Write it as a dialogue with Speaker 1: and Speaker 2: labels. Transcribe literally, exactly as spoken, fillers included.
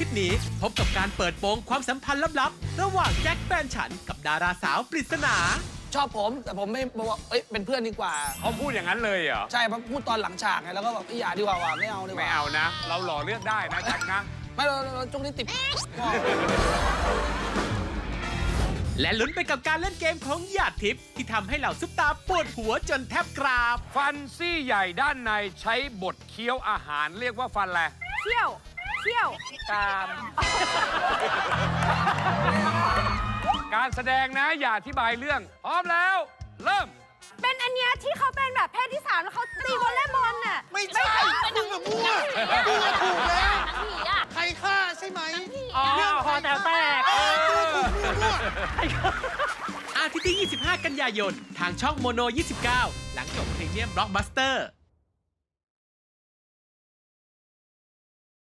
Speaker 1: ทิตย์นี้พบกับการเปิดโปงความสัมพันธ์ลับๆระหว่างแจ็คแฟนฉันกับดาราสาวปริศนา
Speaker 2: ชอบผมแต่ผมไม่บอกว่าเอ้ยเป็นเพื่อนดีกว่า
Speaker 3: เขาพูดอย่างนั้นเลยเหรอ
Speaker 2: ใช่เพราะพูดตอนหลังฉากไงแล้วก็แบบอย่าดีกว่าว่ะไม่เอาดีกว่า
Speaker 3: ไม่เอานะ เราหล่อเลือกได้นะแจ็คนะ
Speaker 2: ไม่เราเราจุกนี้ติด
Speaker 1: และลุ้นไปกับการเล่นเกมของหยาดทิพย์ที่ทำให้เหล่าซุปตาปวดหัวจนแทบกราบ
Speaker 3: ฟันซี่ใหญ่ด้านในใช้บดเคี้ยวอาหารเรียกว่าฟันอะไร
Speaker 4: เที่ยวเที่ยวกาม
Speaker 3: การแสดงนะอย่าอธิบายเรื่องพร้อมแล้วเริ่ม
Speaker 4: เป็นอันเนี้ยที่เขาเป็นแบบเพศที่สามแล้วเขาตีวอลเลย์บอลน่ะ
Speaker 5: ไม่ใช่มึงแบบมั่วมึงอะถูกแล้วใครฆ่าใช่ไหมเรื่องคอแตกแตกเออถูกมั่ว
Speaker 1: อาทิตย์ที่ ยี่สิบห้า กันยายน ทางช่องโมโน ยี่สิบเก้า หลังจบพรีเมียมบล็อกบัสเตอร์